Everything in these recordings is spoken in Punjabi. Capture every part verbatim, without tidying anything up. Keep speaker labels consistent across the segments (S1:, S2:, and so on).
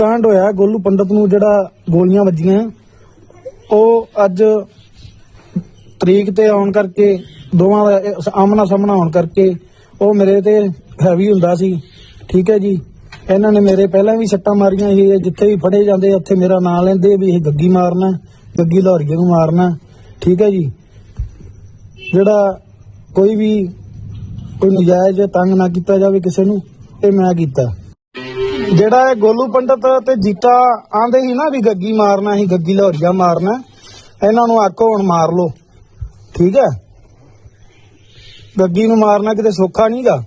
S1: ਕਾਂਡ ਹੋਇਆ ਗੋਲੂ ਪੰਡਤ ਨੂੰ ਜਿਹੜਾ ਗੋਲੀਆਂ ਵੱਜੀਆਂ ਉਹ ਅੱਜ ਤਰੀਕ ਤੇ ਆਉਣ ਕਰਕੇ ਦੋਵਾਂ ਦਾ ਆਮਣਾ ਸਾਹਮਣਾ ਹੋਣ ਕਰਕੇ ਉਹ ਮੇਰੇ ਤੇ ਹੈਵੀ ਹੁੰਦਾ ਸੀ। ਠੀਕ ਹੈ ਜੀ, ਇਹਨਾਂ ਨੇ ਮੇਰੇ ਪਹਿਲਾਂ ਵੀ ਸੱਟਾਂ ਮਾਰੀਆਂ ਸੀ। ਜਿੱਥੇ ਵੀ ਫੜੇ ਜਾਂਦੇ ਉੱਥੇ ਮੇਰਾ ਨਾਂ ਲੈਂਦੇ ਵੀ ਇਹ ਗੱਗੀ ਮਾਰਨਾ, ਗੱਗੀ ਲਾਹੌਰੀਏ ਨੂੰ ਮਾਰਨਾ। ਠੀਕ ਹੈ ਜੀ, ਜਿਹੜਾ ਕੋਈ ਵੀ ਕੋਈ ਨਜਾਇਜ਼ ਤੰਗ ਨਾ ਕੀਤਾ ਜਾਵੇ ਕਿਸੇ ਨੂੰ, ਇਹ ਮੈਂ ਕੀਤਾ। ਜਿਹੜਾ ਇਹ ਗੋਲੂ ਪੰਡਤ ਤੇ ਜੀਤਾ ਆਂਦੇ ਸੀ ਨਾ ਵੀ ਗੱਗੀ ਮਾਰਨਾ ਸੀ, ਗੱਗੀ ਲਾਹੌਰੀਆ ਮਾਰਨਾ, ਇਹਨਾਂ ਨੂੰ ਆਖੋ ਹੁਣ ਮਾਰ ਲੋ। ਠੀਕ ਹੈ, ਗੱਗੀ ਨੂੰ ਮਾਰਨਾ ਕਿਤੇ ਸੌਖਾ ਨਹੀਂਗਾ।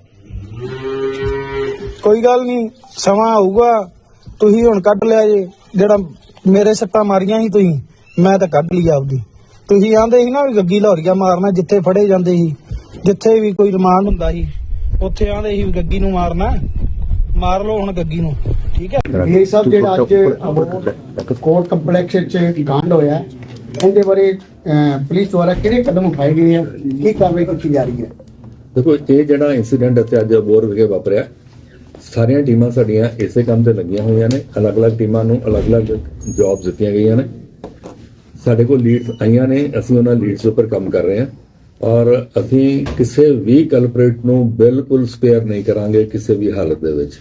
S1: ਕੋਈ ਗੱਲ ਨਹੀਂ, ਸਮਾਂ ਆਊਗਾ, ਤੁਸੀਂ ਹੁਣ ਕੱਢ ਲਿਆ ਜੇ। ਜਿਹੜਾ ਮੇਰੇ ਸੱਟਾਂ ਮਾਰੀਆਂ ਸੀ ਤੁਸੀਂ, ਮੈਂ ਤਾਂ ਕੱਢ ਲਈ ਆਪਦੀ। ਤੁਸੀਂ ਆਂਦੇ ਸੀ ਨਾ ਵੀ ਗੱਗੀ ਲਾਹੌਰੀਆ ਮਾਰਨਾ, ਜਿੱਥੇ ਫੜੇ ਜਾਂਦੇ ਸੀ, ਜਿੱਥੇ ਵੀ ਕੋਈ ਰਿਮਾਂਡ ਹੁੰਦਾ ਸੀ ਉੱਥੇ ਆਂਦੇ ਸੀ ਵੀ ਗੱਗੀ ਨੂੰ ਮਾਰਨਾ, ਮਾਰ ਲਓ ਹੁਣ ਗੱਗੀ ਨੂੰ। ਠੀਕ ਹੈ,
S2: ਇਹ ਸਭ ਜਿਹੜਾ ਅੱਜ ਕੋਰਟ ਕੰਪਲੈਕਸ ਵਿੱਚ ਕਾਂਡ ਹੋਇਆ ਇਹਦੇ ਬਾਰੇ ਪੁਲਿਸ ਦੁਆਰਾ ਕਿਹੜੇ ਕਦਮ ਉਠਾਏ ਗਏ ਆ, ਕੀ ਕਾਰਵਾਈ ਕੀਤੀ ਜਾ ਰਹੀ ਹੈ?
S3: ਦੇਖੋ, ਇਹ ਜਿਹੜਾ ਇੰਸੀਡੈਂਟ ਇੱਥੇ ਅੱਜ ਅਬੋਹਰ ਵਿਖੇ ਵਾਪਰਿਆ, ਸਾਰੀਆਂ ਟੀਮਾਂ ਸਾਡੀਆਂ ਇਸੇ ਕੰਮ ਤੇ ਲੱਗੀਆਂ ਹੋਈਆਂ ਨੇ। ਅਲੱਗ-ਅਲੱਗ ਟੀਮਾਂ ਨੂੰ ਅਲੱਗ-ਅਲੱਗ ਜੌਬਸ ਦਿੱਤੀਆਂ ਗਈਆਂ ਨੇ। ਸਾਡੇ ਕੋਲ ਲੀਡਸ ਆਈਆਂ ਨੇ, ਅਸੀਂ ਉਹਨਾਂ ਲੀਡਸ ਉੱਪਰ ਕੰਮ ਕਰ ਰਹੇ ਹਾਂ ਔਰ ਅਸੀਂ ਕਿਸੇ ਵੀ ਕਲਪਰੇਟ ਨੂੰ ਬਿਲਕੁਲ ਸਪੇਅਰ ਨਹੀਂ ਕਰਾਂਗੇ ਕਿਸੇ ਵੀ ਹਾਲਤ ਦੇ ਵਿੱਚ।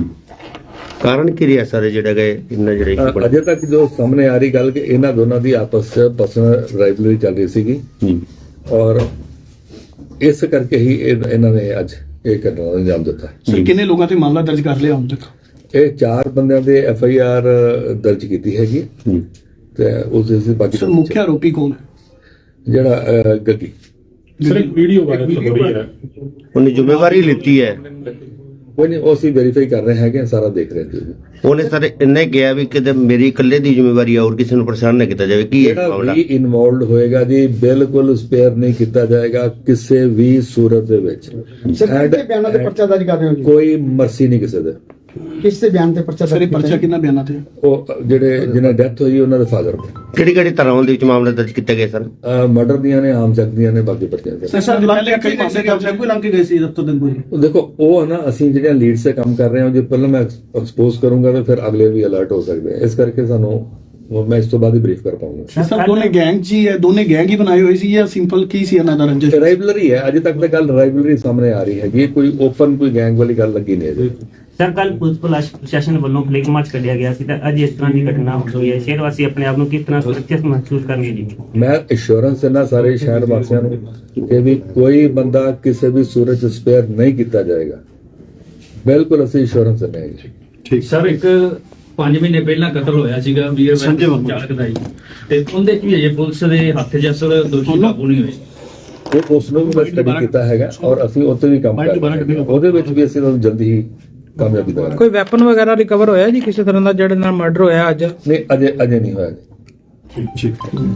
S4: ਕਾਰਨ ਕੀ ਰਿਹਾ ਸਾਰੇ ਜਿਹੜਾ ਗਏ ਇੰਨਾ ਜਿਹੜਾ
S3: ਅਜੇ ਤੱਕ ਜੋ ਸਾਹਮਣੇ ਆ ਰਹੀ ਗੱਲ ਕਿ ਇਹਨਾਂ ਦੋਨਾਂ ਦੀ ਆਪਸ ਚ ਪਰਸਨਲ ਰਾਈਵਲਰੀ ਚੱਲ ਰਹੀ ਸੀਗੀ ਔਰ ਇਸ ਕਰਕੇ ਹੀ ਇਹ- ਇਹਨਾਂ ਨੇ ਅੱਜ ਇਹ ਘਟਨਾ ਨੂੰ ਅੰਜਾਮ ਦਿੱਤਾ।
S5: ਸਰ, ਕਿੰਨੇ ਲੋਕਾਂ ਤੇ ਮਾਮਲਾ ਦਰਜ ਕਰ ਲਿਆ ਹੁਣ ਤੱਕ?
S3: ਇਹ ਚਾਰ ਬੰਦਿਆਂ ਦੇ ਐਫ ਆਈ ਆਰ ਦਰਜ ਕੀਤੀ ਹੈਗੀ ਤੇ ਉਸ ਦੇ ਬਾਕੀ
S5: ਸਰ, ਮੁੱਖ ਆਰੋਪੀ ਕੌਣ ਹੈ?
S3: ਜਿਹੜਾ ਅਹ, ਗੱਗੀ।
S6: ਸਰ ਇੱਕ ਵੀਡੀਓ ਵਾਇਰਲ ਹੋ ਰਹੀ ਹੈ,
S4: ਉਹਨੇ ਜ਼ਿੰਮੇਵਾਰੀ ਲਿੱਤੀ ਹੈ।
S3: ਕੋਈ ਨਹੀਂ, ਉਹ ਅਸੀਂ ਵੈਰੀਫਾਈ ਕਰ ਰਹੇ ਹੈਗੇ, ਸਾਰਾ ਦੇਖ ਰਹੇ ਹਾਂ।
S4: ਉਹਨੇ ਸਾਰੇ ਇੰਨੇ ਕਿਹਾ ਵੀ ਕਿਤੇ ਮੇਰੀ ਇਕੱਲੇ ਦੀ ਜ਼ਿੰਮੇਵਾਰੀ ਆ, ਹੋਰ ਕਿਸੇ ਨੂੰ ਪਰੇਸ਼ਾਨ ਨਾ ਕੀਤਾ ਜਾਵੇ। ਕੀ ਹੈ
S3: ਜਿਹੜਾ
S4: ਮਾਮਲਾ?
S3: ਵੀ ਇਨਵੋਲਵਡ ਹੋਏਗਾ ਜੀ ਬਿਲਕੁਲ ਸਪੇਅਰ ਨਹੀਂ ਕੀਤਾ ਜਾਏਗਾ ਕਿਸੇ ਵੀ ਸੂਰਤ ਦੇ ਵਿੱਚ।
S2: ਸਰ, ਕਿਹਦੇ ਬਿਆਨਾਂ ਤੇ ਪਰਚਾ ਦਰਜ ਕਰ ਰਹੇ ਹੋ ਜੀ?
S3: ਕੋਈ ਮਰਸੀ ਨਹੀਂ ਕਿਸੇ ਦੇ।
S2: ਕਿਸ ਦੇ ਬਿਆਨ ਤੇ ਪਰਚਾ
S5: ਸਰ,
S2: ਦਰਜ
S5: ਇਹ ਪਰਚਾ
S2: ਕੀਤਾ?
S5: ਕਿੰਨਾ ਬਿਆਨਾਂ ਤੇ?
S3: ਉਹ ਜਿਹੜੇ ਜਿਹਨਾਂ ਡੈਥ ਹੋਈ ਉਹਨਾਂ ਦੇ ਫਾਦਰ ਦੇ
S4: ਕਿਹੜੀ ਕਿਹੜੀ ਧਾਰਾਵਾਂ ਦੇ ਵਿੱਚ ਮਾਮਲਾ ਦਰਜ ਕੀਤਾ ਗਿਆ ਸਰ?
S3: ਮਰਡਰ ਦੀਆਂ ਨੇ, ਆਮ ਚੱਕ ਦੀਆਂ ਨੇ, ਬਾਕੀ ਪਰਚੀਆਂ ਦੇ।
S5: ਸਰ, ਸਰ ਪਹਿਲੇ ਕਈ ਮਾਮਲੇ ਦਰਜ ਕੋਈ ਲੰਘ ਕੇ ਗਏ ਸੀ ਦਫ਼ਤਰ ਦੇ ਕੋਈ?
S3: ਉਹ ਦੇਖੋ, ਉਹ ਹੈ ਨਾ, ਅਸੀਂ ਜਿਹੜੀਆਂ ਲੀਡ ਸੇ ਕੰਮ ਕਰ ਰਹੇ ਹਾਂ, ਜੇ ਪਹਿਲਾਂ ਮੈਂ ਐਕਸਪੋਜ਼ ਕਰੂੰਗਾ ਤਾਂ ਫਿਰ ਅਗਲੇ ਵੀ ਅਲਰਟ ਹੋ ਸਕਦੇ ਆ। ਇਸ ਕਰਕੇ ਸਾਨੂੰ ਮੈਂ ਇਸ ਤੋਂ ਬਾਅਦ ਹੀ ਬਰੀਫ ਕਰ ਪਾਉਂਗਾ।
S5: ਸਰ, ਦੋਨੇ ਗੈਂਗ ਜੀ ਹੈ, ਦੋਨੇ ਗੈਂਗ ਹੀ ਬਣਾਏ ਹੋਏ ਸੀ ਜਾਂ ਸਿੰਪਲ ਕੀ ਸੀ ਇਹਨਾਂ ਦਾ ਰੰਜਿਸ਼?
S3: ਰਾਈਵਲਰੀ ਹੈ, ਅਜੇ ਤੱਕ ਤਾਂ ਗੱਲ ਰਾਈਵਲਰੀ ਸਾਹਮਣੇ ਆ ਰਹੀ ਹੈਗੀ, ਕੋਈ ਓਪਨ ਕੋਈ ਗੈਂਗ ਵਾਲੀ ਗੱਲ ਲੱਗੀ ਨਹੀਂ ਅਜੇ।
S7: ਸਰ, ਕੱਲ ਪੁਲਿਸ ਪ੍ਰਸ਼ਾਸਨ ਵੱਲੋਂ ਫਲੈਗ ਮਾਰਚ ਕੱਢਿਆ ਗਿਆ ਸੀ ਤਾਂ ਅੱਜ ਇਸ ਤਰ੍ਹਾਂ ਦੀ ਘਟਨਾ ਹੋਈ ਹੈ। ਸ਼ਹਿਰ ਵਾਸੀ ਆਪਣੇ ਆਪ ਨੂੰ ਕਿਸ ਤਰ੍ਹਾਂ ਸੁਰੱਖਿਅਤ ਮਹਿਸੂਸ ਕਰਨਗੇ ਜੀ?
S3: ਮੈਂ ਇੰਸ਼ੋਰੈਂਸ ਇਹਨਾਂ ਸਾਰੇ ਸ਼ਹਿਰ ਵਾਸੀਆਂ ਨੂੰ ਕਿ ਵੀ ਕੋਈ ਬੰਦਾ ਕਿਸੇ ਵੀ ਸੂਰਤ 'ਚ ਸਪੇਅਰ ਨਹੀਂ ਕੀਤਾ ਜਾਏਗਾ। ਬਿਲਕੁਲ ਅਸੀਂ ਇੰਸ਼ੋਰੈਂਸ ਦਿੰਦੇ ਹਾਂ ਜੀ।
S6: ਠੀਕ ਸਰ। ਇੱਕ ਪੰਜ ਮਹੀਨੇ ਪਹਿਲਾਂ ਕਤਲ ਹੋਇਆ ਸੀਗਾ ਵੀਰ
S5: ਸੰਜੇ ਵਰਮਾ
S6: ਚਾਲਕ ਦਾ ਜੀ, ਤੇ ਉਹਦੇ ਚ ਵੀ ਅਜੇ ਪੁਲਿਸ ਦੇ ਹੱਥ 'ਚ ਅਸਲ ਦੋਸ਼ੀ ਕਾਬੂ ਨਹੀਂ ਹੋਏ।
S3: ਉਹ ਉਸ ਨੂੰ ਵੀ ਸਟੱਡੀ ਕੀਤਾ ਹੈਗਾ ਔਰ ਅਸੀਂ ਉੱਤੇ ਵੀ ਕੰਮ ਕਰ ਰਹੇ ਹਾਂ। ਉਹਦੇ ਵਿੱਚ ਵੀ ਅਸੀਂ ਤੁਹਾਨੂੰ ਜਲਦੀ ਹੀ ਕਾਮਯਾਬੀ ਦੇਵਾਂਗੇ।
S1: ਕੋਈ ਵੈਪਨ ਵਗੈਰਾ ਰਿਕਵਰ ਹੋਇਆ ਜੀ ਕਿਸੇ ਤਰ੍ਹਾਂ ਦਾ ਜਿਹੜੇ ਨਾਲ ਮਰਡਰ ਹੋਇਆ ਅੱਜ?
S3: ਨਹੀਂ, ਅਜੇ ਅਜੇ ਨਹੀਂ ਹੋਇਆ ਜੀ।
S6: ਠੀਕ।